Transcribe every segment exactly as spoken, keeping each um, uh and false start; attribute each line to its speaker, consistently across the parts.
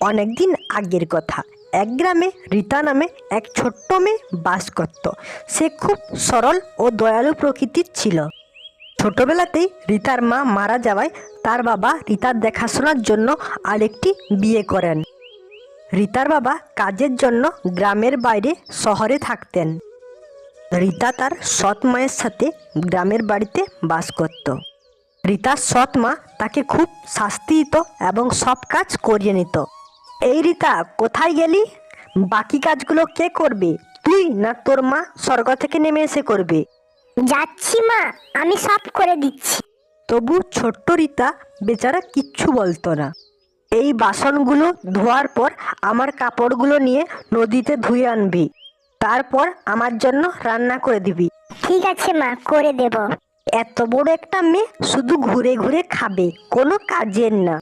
Speaker 1: অনেকদিন আগের কথা। এক গ্রামে রীতা নামে এক ছোট্ট মেয়ে বাস করত। সে খুব সরল ও দয়ালু প্রকৃতির ছিল। ছোটবেলাতেই রীতার মা মারা যাওয়ায় তার বাবা রীতার দেখাশোনার জন্য আরেকটি বিয়ে করেন। রীতার বাবা কাজের জন্য গ্রামের বাইরে শহরে থাকতেন। রীতা তার সৎ মায়ের সাথে গ্রামের বাড়িতে বাস করত। রীতার সৎ মা তাকে খুব শাস্তি দিত এবং সব কাজ করিয়ে নিত। এই রীতা, কোথায় গেলি? বাকি কাজগুলো কে করবে, তুই না তোর মা স্বর্গ থেকে নেমে এসে করবে?
Speaker 2: যাচ্ছি মা, আমি সব করে দিচ্ছি।
Speaker 1: তবু ছোট্ট রীতা বেচারা কিচ্ছু বলতো না। এই বাসনগুলো ধোয়ার পর আমার কাপড়গুলো নিয়ে নদীতে ধুয়ে আনবি, তারপর আমার জন্য রান্না করে দিবি।
Speaker 2: ঠিক আছে মা, করে দেব।
Speaker 1: এত বড় একটা মেয়ে শুধু ঘুরে ঘুরে খাবে, কোনো কাজের না।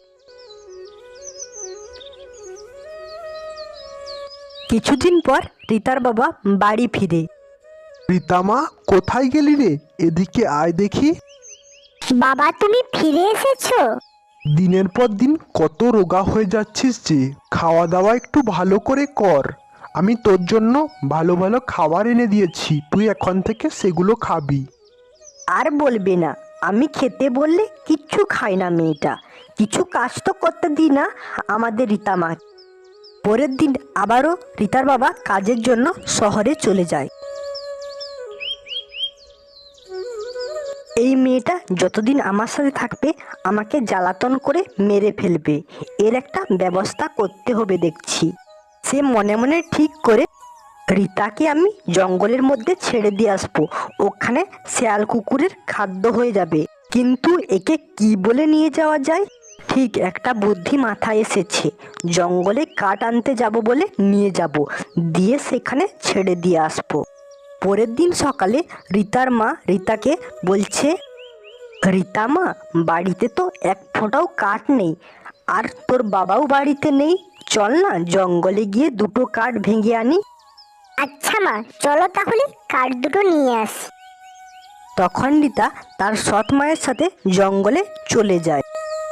Speaker 1: কিছুদিন পর রীতার বাবা বাড়ি ফিরে।
Speaker 3: রীতামা, কোথায় গেলি রে? এদিকে আয় দেখি।
Speaker 2: বাবা, তুমি ফিরে এসেছো?
Speaker 3: দিনের পর দিন কত রোগা হয়ে যাচ্ছিস যে। খাওয়া দাওয়া একটু ভালো করে কর। আমি তোর জন্য ভালো ভালো খাবার এনে দিয়েছি, তুই এখন থেকে সেগুলো খাবি।
Speaker 1: আর বলবে না, আমি খেতে বললে কিচ্ছু খায় না মেয়েটা। কিছু কাজ তো করতে দিই না আমাদের রীতা মা। পরের দিন আবারও রীতার বাবা কাজের জন্য শহরে চলে যায়। এই মেয়েটা যতদিন আমার সাথে থাকবে আমাকে জ্বালাতন করে মেরে ফেলবে, এর একটা ব্যবস্থা করতে হবে দেখছি। সে মনে মনে ঠিক করে রীতাকে আমি জঙ্গলের মধ্যে ছেড়ে দিয়ে আসবো, ওখানে শেয়াল কুকুরের খাদ্য হয়ে যাবে। কিন্তু একে কি বলে নিয়ে যাওয়া যায়? ঠিক একটা বুদ্ধি মাথায় এসেছে। জঙ্গলে কাঠ আনতে যাব বলে নিয়ে যাব, দিয়ে সেখানে ছেড়ে দিয়ে আসবো। পরের দিন সকালে রীতার মা রীতাকে বলছে, রীতা মা, বাড়িতে তো এক ফোঁটাও কাঠ নেই, আর তোর বাবাও বাড়িতে নেই। চল না জঙ্গলে গিয়ে দুটো কাঠ ভেঙে আনি।
Speaker 2: আচ্ছা মা, চলো তাহলে কাঠ দুটো নিয়ে আসি।
Speaker 1: তখন রীতা তার সৎ মায়ের সাথে জঙ্গলে চলে যায়।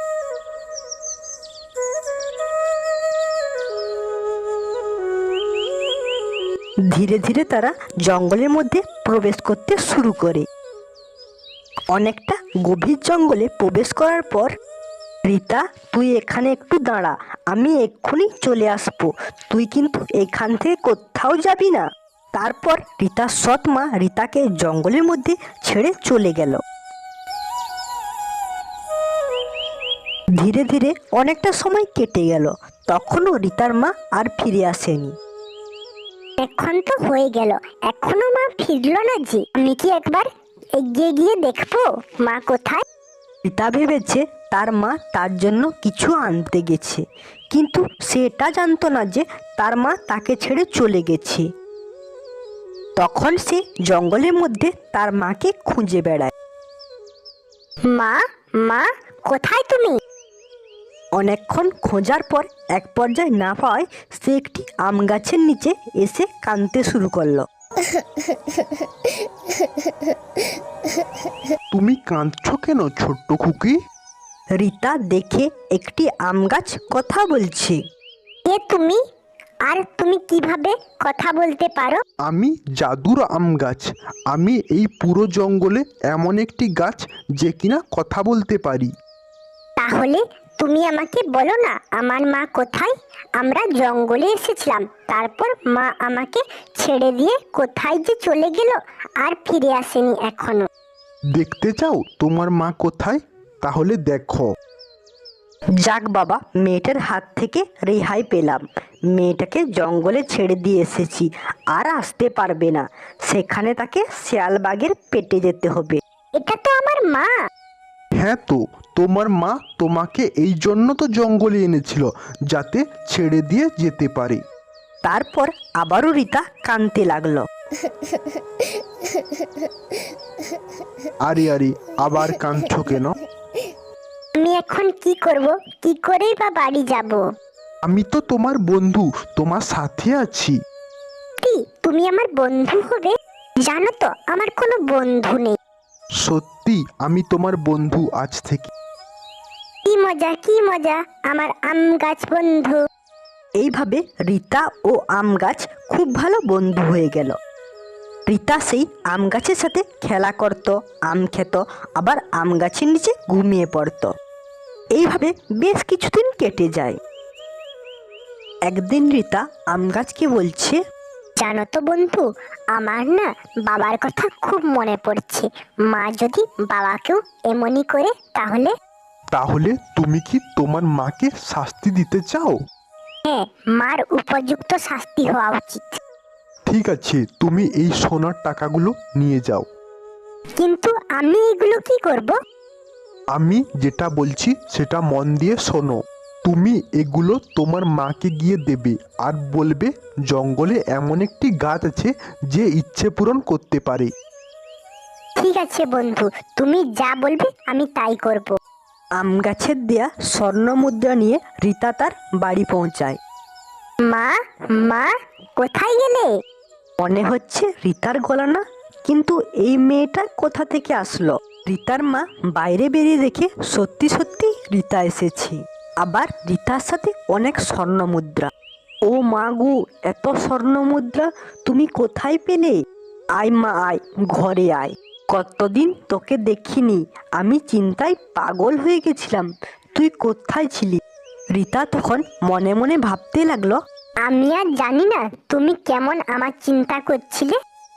Speaker 1: ধীরে ধীরে তারা জঙ্গলের মধ্যে প্রবেশ করতে শুরু করে। অনেকটা গভীর জঙ্গলে প্রবেশ করার পর, রীতা, তুই এখানে একটু দাঁড়া, আমি এক্ষুনি চলে আসবো, তুই কিন্তু এখান থেকে কোথাও যাবি না। তারপর রীতার সৎ মা রীতাকে জঙ্গলের মধ্যে ছেড়ে চলে গেল। ধীরে ধীরে অনেকটা সময় কেটে গেল, তখনও রীতার মা আর ফিরে আসেনি।
Speaker 2: এখন তো হয়ে গেল, এখনো মা ফিরলো না যে। আমি কি একবার এগিয়ে গিয়ে দেখবো মা কোথায়?
Speaker 1: রীতা ভেবেছে তার মা তার জন্য কিছু আনতে গেছে, কিন্তু সে এটা জানতো না যে তার মা তাকে ছেড়ে চলে গেছে। তখন সে জঙ্গলের মধ্যে তার মাকে খুঁজে বেড়ায়।
Speaker 2: মা, মা, কোথায় তুমি?
Speaker 1: অনেকক্ষণ খোঁজার পর এক পর্যায়ে না পাওয়ায় সে একটি আম গাছের নিচে এসে কাঁদতে শুরু করলো।
Speaker 3: তুমি কাঁদছো কেন ছোট্ট খুকি?
Speaker 1: রীতা দেখে একটি আম গাছ কথা বলছে।
Speaker 2: কে তুমি? আর তুমি কিভাবে কথা বলতে পারো?
Speaker 3: আমি জাদুর আম গাছ। আমি এই পুরো জঙ্গলে এমন একটি গাছ যে কিনা কথা বলতে পারি।
Speaker 2: তাহলে তুমি আমাকে বলো না, আমার মা কোথায়? আমরা জঙ্গলে এসেছিলাম, তারপর মা আমাকে ছেড়ে দিয়ে কোথায় যে চলে গেল, আর ফিরে আসেনি এখনো।
Speaker 3: দেখতে চাও তোমার মা কোথায়? তাহলে দেখো।
Speaker 1: যাক বাবা, মেয়েটার হাত থেকে রেহাই পেলাম। মেয়েটাকে জঙ্গলে ছেড়ে দিয়ে এসেছি, আর আসতে পারবে না। সেখানে তাকে শিয়ালবাগের পেটে যেতে হবে।
Speaker 2: এটা তো আমার মা।
Speaker 3: হ্যাঁ তো, তোমার মা তোমাকে এই জন্য তো জঙ্গলে এনেছিল, যাতে ছেড়ে দিয়ে যেতে পারে।
Speaker 1: তারপর আবারও রীতা কাঁদতে লাগলো।
Speaker 3: আরে আরে, আবার কাঁদছো কেন?
Speaker 2: আমি এখন কি করব? কি করেই বা বাড়ি যাব?
Speaker 3: আমি তো তোমার বন্ধু, তোমার সাথে আছি।
Speaker 2: কি তুমি আমার বন্ধু হবে? জানো তো আমার কোনো বন্ধু নেই।
Speaker 3: সত্যি আমি তোমার বন্ধু আজ থেকে।
Speaker 2: কি মজা, কি মজা, আমার আম গাছ বন্ধু।
Speaker 1: এইভাবে রীতা ও আম গাছ খুব ভালো বন্ধু হয়ে গেল। রীতা সেই আম গাছের সাথে খেলা করত, আম খেত, আবার আম গাছের নিচে ঘুমিয়ে পড়ত। এইভাবে বেশ কিছুদিন কেটে যায়। একদিন রীতা আম গাছকে বলছে,
Speaker 2: জানো তো বন্ধু, আমার না বাবার কথা খুব মনে পড়ছে। মা যদি বাবাকেও এমনই করে তাহলে?
Speaker 3: তাহলে তুমি কি তোমার মাকে শাস্তি দিতে চাও?
Speaker 2: হ্যাঁ, মার উপযুক্ত শাস্তি হওয়া উচিত।
Speaker 3: ঠিক আছে, তুমি এই সোনার টাকাগুলো নিয়ে যাও।
Speaker 2: কিন্তু আমি এগুলো কি করব?
Speaker 3: আমি যেটা বলছি সেটা মন দিয়ে শোনো। তুমি এগুলো তোমার মাকে গিয়ে দেবে আর বলবে জঙ্গলে এমন একটি গাছ আছে যে ইচ্ছে পূরণ করতে পারে।
Speaker 2: ঠিক আছে বন্ধু, তুমি যা বলবে আমি তাই করব।
Speaker 1: আম গাছের দেয়া স্বর্ণ মুদ্রা নিয়ে রীতা তার বাড়ি পৌঁছায়।
Speaker 2: মা, মা, কোথায় গেলে?
Speaker 1: মনে হচ্ছে রীতার গলা না, কিন্তু এই মেয়েটা কোথা থেকে আসলো? রীতার মা বাইরে বেরিয়ে দেখে সত্যি সত্যি রীতা এসেছে, আবার রীতার সাথে অনেক স্বর্ণ মুদ্রা। ও মা গো, এত স্বর্ণ মুদ্রা তুমি কোথায় পেলে? আয় মা আয়, ঘরে আয়। কতদিন তোকে দেখিনি, আমি চিন্তায় পাগল হয়ে গেছিলাম, তুই কোথায় ছিলি? রীতা তখন মনে মনে ভাবতে লাগলো,
Speaker 2: আমি আর জানি না তুমি কেমন আমার চিন্তা করছিলে।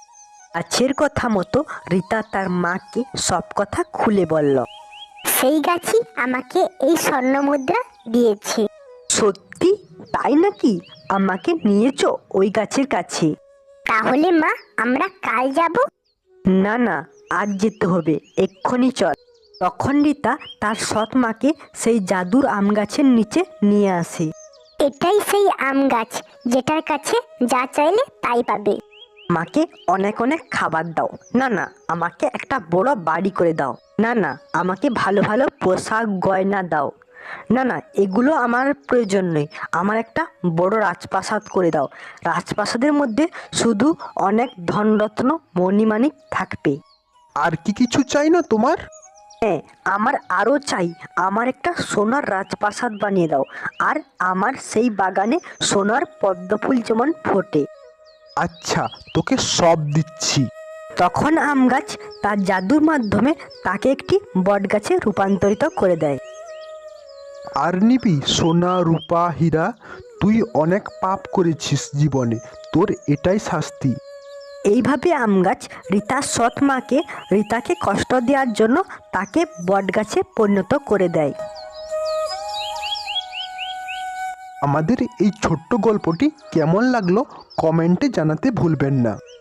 Speaker 1: গাছের কথা মতো রীতা তার মাকে সব কথা খুলে বলল।
Speaker 2: সেই গাছই আমাকে এই স্বর্ণ মুদ্রা দিয়েছে।
Speaker 1: সত্যি তাই নাকি? আমাকে নিয়েছো ওই গাছের কাছে?
Speaker 2: তাহলে মা, আমরা কাল যাব?
Speaker 1: না না, আজ যেতে হবে, এক্ষুনি চল। তখন রীতা তার সৎ মাকে সেই জাদুর আম গাছের নিচে নিয়ে আসে।
Speaker 2: এটাই সেই আম গাছ যেটার কাছে যা চাইলে তাই পাবে।
Speaker 1: মাকে অনেক অনেক খাবার দাও। না না, আমাকে একটা বড় বাড়ি করে দাও। না না, আমাকে ভালো ভালো পোশাক গয়না দাও। না না, এগুলো আমার প্রয়োজন নেই, আমার একটা বড় রাজপ্রাসাদ করে দাও। রাজপ্রাসাদের মধ্যে শুধু অনেক ধনরত্ন মণিমাণিক থাকবে।
Speaker 3: আর কি কিছু চাই না তোমার?
Speaker 1: হ্যাঁ, আমার আরও চাই, আমার একটা সোনার রাজপ্রাসাদ বানিয়ে দাও, আর আমার সেই বাগানে সোনার পদ্মফুল যেমন ফোটে।
Speaker 3: আচ্ছা, তোকে সব দিচ্ছি।
Speaker 1: তখন আম গাছ তার জাদুর মাধ্যমে তাকে একটি বট গাছে রূপান্তরিত করে দেয়।
Speaker 3: আর নিবি সোনা রূপা হীরা? তুই অনেক পাপ করেছিস জীবনে, তোর এটাই শাস্তি।
Speaker 1: এইভাবে আম গাছ রীতার সৎ মাকে রীতাকে কষ্ট দেওয়ার জন্য তাকে বট গাছে পরিণত করে দেয়।
Speaker 3: আমাদের এই ছোট্ট গল্পটি কেমন লাগলো কমেন্টে জানাতে ভুলবেন না।